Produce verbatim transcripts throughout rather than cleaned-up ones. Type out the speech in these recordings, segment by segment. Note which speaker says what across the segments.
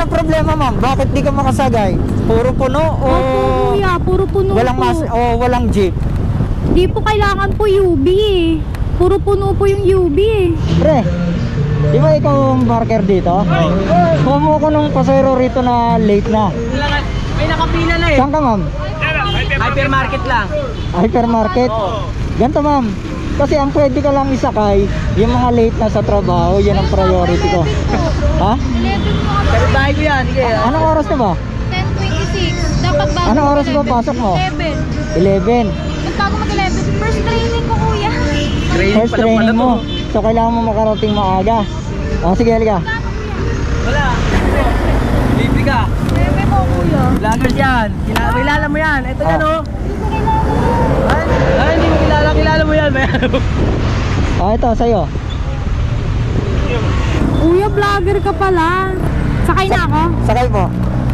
Speaker 1: Anong problema, ma'am? Bakit di ka makasagay? Puro puno o
Speaker 2: Opo kuya, puro puno
Speaker 1: walang
Speaker 2: po.
Speaker 1: mas o walang jeep?
Speaker 2: Di po kailangan po U B eh. Puro puno po yung U B eh.
Speaker 1: Pre, di ba ikaw ang marker dito? Kumo ko nung pasero rito na late na.
Speaker 3: May nakapila na eh.
Speaker 1: Saan ka, ma'am?
Speaker 3: Hypermarket lang.
Speaker 1: Hypermarket? Ganito, ma'am. Kasi ang pwede ka lang isakay, yung mga late na sa trabaho, yan ang priority ko. Ha?
Speaker 2: eleven po kami.
Speaker 3: Pero bahay ko yan. Sige.
Speaker 1: Anong oras na ba?
Speaker 2: ten twenty-six. Dapat bago
Speaker 1: Anong oras ba
Speaker 2: mag-eleven.
Speaker 1: pasok mo?
Speaker 2: eleven.
Speaker 1: eleven.
Speaker 2: Ba't bago mag-eleven? First training ko kuya.
Speaker 3: Training
Speaker 1: First
Speaker 3: pa lang pala
Speaker 1: training
Speaker 3: to.
Speaker 1: mo. So kailangan mo makarating maaga. O sige, halika.
Speaker 3: Wala. Libre ka.
Speaker 2: eleven po kuya.
Speaker 3: Vloggers yan. Kilala, kilala mo yan. Ito yan
Speaker 1: Ah.
Speaker 3: oh. Ay, ay, hindi mo kilala. Kilala mo yan.
Speaker 1: O ito, sa'yo.
Speaker 2: Kuya, vlogger ka pala. Sakay na ako.
Speaker 1: Sakay mo.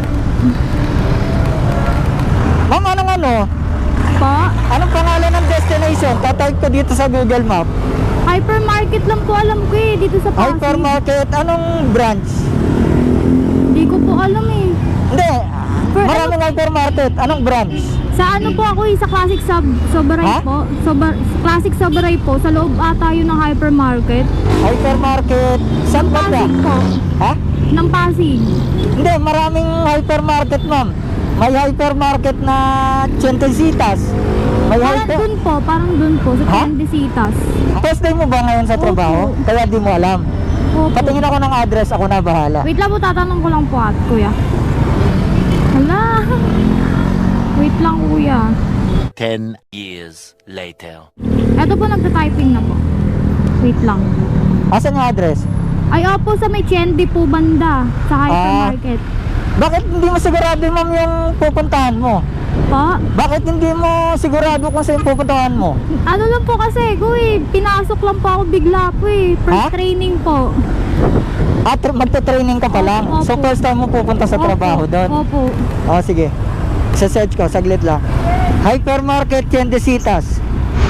Speaker 1: Ma'am, anong ano?
Speaker 2: Po?
Speaker 1: Anong pangalan ng destination? Tatype ko dito sa Google Map.
Speaker 2: Hypermarket lang po alam ko eh. Dito sa Pasig.
Speaker 1: Hypermarket, anong branch?
Speaker 2: Hindi ko po alam eh.
Speaker 1: Hindi,
Speaker 2: For-
Speaker 1: maraming hypermarket. Anong branch?
Speaker 2: Sa ano po ako eh, sa Classic Sub Sobaray
Speaker 1: Ha?
Speaker 2: po. Sobar Classic Sobaray po. Sa loob ata yun ng hypermarket.
Speaker 1: Hypermarket, saan ba ba?
Speaker 2: Pasig po.
Speaker 1: Ha?
Speaker 2: Ng Pasig.
Speaker 1: Hindi, maraming hypermarket, ma'am. May hypermarket na Chentesitas. May
Speaker 2: Parang
Speaker 1: hyper...
Speaker 2: dun po, parang dun po, sa
Speaker 1: Ha?
Speaker 2: Tiendesitas.
Speaker 1: First day mo ba ngayon sa trabaho?
Speaker 2: Opo.
Speaker 1: Kaya di mo alam.
Speaker 2: Opo.
Speaker 1: Patingin ako ng address, ako na bahala.
Speaker 2: Wait lang po, tatanong ko lang po at kuya. Hala. Wait lang kuya.
Speaker 4: Ten years later.
Speaker 2: Eto po, nagta-typing na po. Wait lang.
Speaker 1: Asan yung address?
Speaker 2: Ay, opo, sa may Chendi po banda. Sa hypermarket.
Speaker 1: Bakit hindi mo sigurado, ma'am, yung pupuntahan mo?
Speaker 2: Po?
Speaker 1: Bakit hindi mo sigurado kung saan pupuntahan mo?
Speaker 2: Ano lang po kasi, kuy, pinasok lang po ako bigla po eh. First
Speaker 1: Ha?
Speaker 2: training po.
Speaker 1: At magta-training ka pa lang?
Speaker 2: Opo.
Speaker 1: So first time mo pupunta sa
Speaker 2: Opo,
Speaker 1: trabaho doon?
Speaker 2: Opo.
Speaker 1: O sige, sa search ko, saglit lang. Hypermarket Tiendesitas.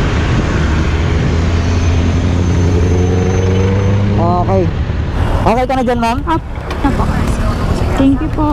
Speaker 1: Okay. Okay ka na dyan, ma'am?
Speaker 2: Up na po. Thank you po.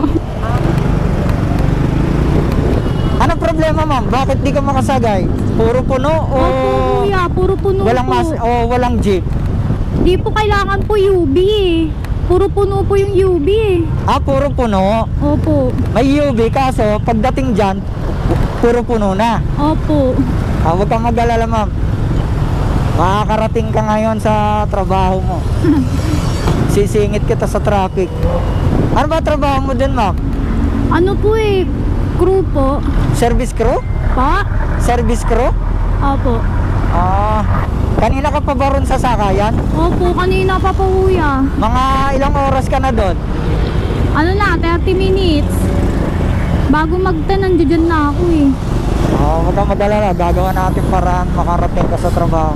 Speaker 1: Anong problema, ma'am? Bakit di ka makasagay? Puro puno o
Speaker 2: Opo kuya, puro puno
Speaker 1: walang
Speaker 2: po.
Speaker 1: mas o walang jeep?
Speaker 2: Di po kailangan po U B eh. Puro puno po yung U B eh.
Speaker 1: Ah, puro puno.
Speaker 2: Opo.
Speaker 1: May U V, kaso pagdating dyan, puro puno na.
Speaker 2: Opo.
Speaker 1: Ah, huwag kang mag-alala, ma'am. Makakarating ka ngayon sa trabaho mo. Sisingit kita sa traffic. Ano ba trabaho mo dun, ma'am?
Speaker 2: Ano po eh, crew po.
Speaker 1: Service crew?
Speaker 2: Pa?
Speaker 1: Service crew?
Speaker 2: Opo.
Speaker 1: Ah, kanina ka pa ba ron sa sakayan?
Speaker 2: Opo, kanina pa po kuya.
Speaker 1: Mga ilang oras ka na doon?
Speaker 2: Ano na, thirty minutes. Bago mag-ten, nandiyan na ako eh.
Speaker 1: Oh, huwag kang mag-alala. Gagawa natin paraan makarating ka sa trabaho.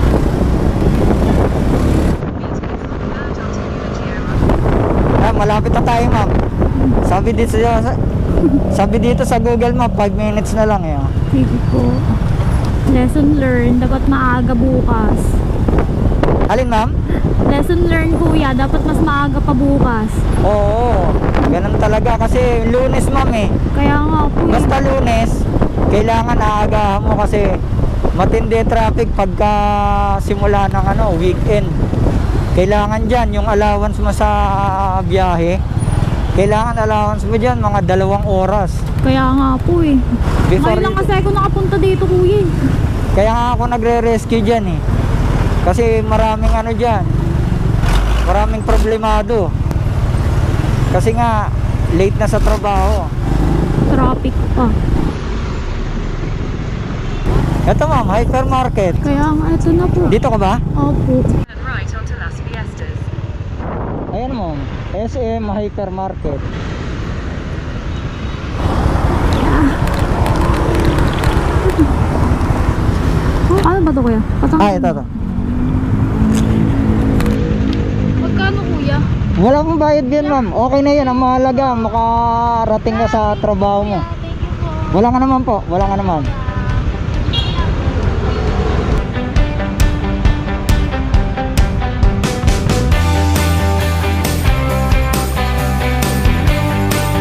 Speaker 1: Ah, malapit na tayo, ma'am. Sabi dito sa sabi dito sa Google Map, five minutes na lang eh. oh.
Speaker 2: Sige po. Lesson learned. Dapat maaga bukas.
Speaker 1: Alin, ma'am?
Speaker 2: Lesson learned kuya. Dapat mas maaga pa bukas.
Speaker 1: Oo, ganun talaga kasi Lunes, ma'am eh.
Speaker 2: Kaya nga po eh.
Speaker 1: Basta Lunes, kailangan aagahan mo kasi matindi traffic pagka simula ng ano, weekend. Kailangan dyan yung allowance mo sa biyahe. Kailangan allowance mo dyan mga dalawang oras.
Speaker 2: Kaya nga po eh.
Speaker 1: Before
Speaker 2: Ngayon lang
Speaker 1: you-
Speaker 2: kasi ako nakapunta dito kuya eh.
Speaker 1: Kaya nga ako nagre-rescue dyan eh. Kasi maraming ano dyan, maraming problemado. Kasi nga, late na sa trabaho.
Speaker 2: Traffic pa.
Speaker 1: Ito, ma'am, hypermarket.
Speaker 2: Kaya nga, ito na po.
Speaker 1: Dito ka ba?
Speaker 2: Opo.
Speaker 5: Turn right onto Las Fiestas.
Speaker 1: Ayan, ma'am, S M Hypermarket.
Speaker 2: Oh, ano ba ito kuya? Patang...
Speaker 1: Ah, ito, ito.
Speaker 2: Magkano kuya?
Speaker 1: Wala pong bayad yan, ma'am. Okay na yan. Ang mahalaga, makarating ka sa trabaho mo.
Speaker 2: Thank you po.
Speaker 1: Wala nga naman po. Wala nga naman.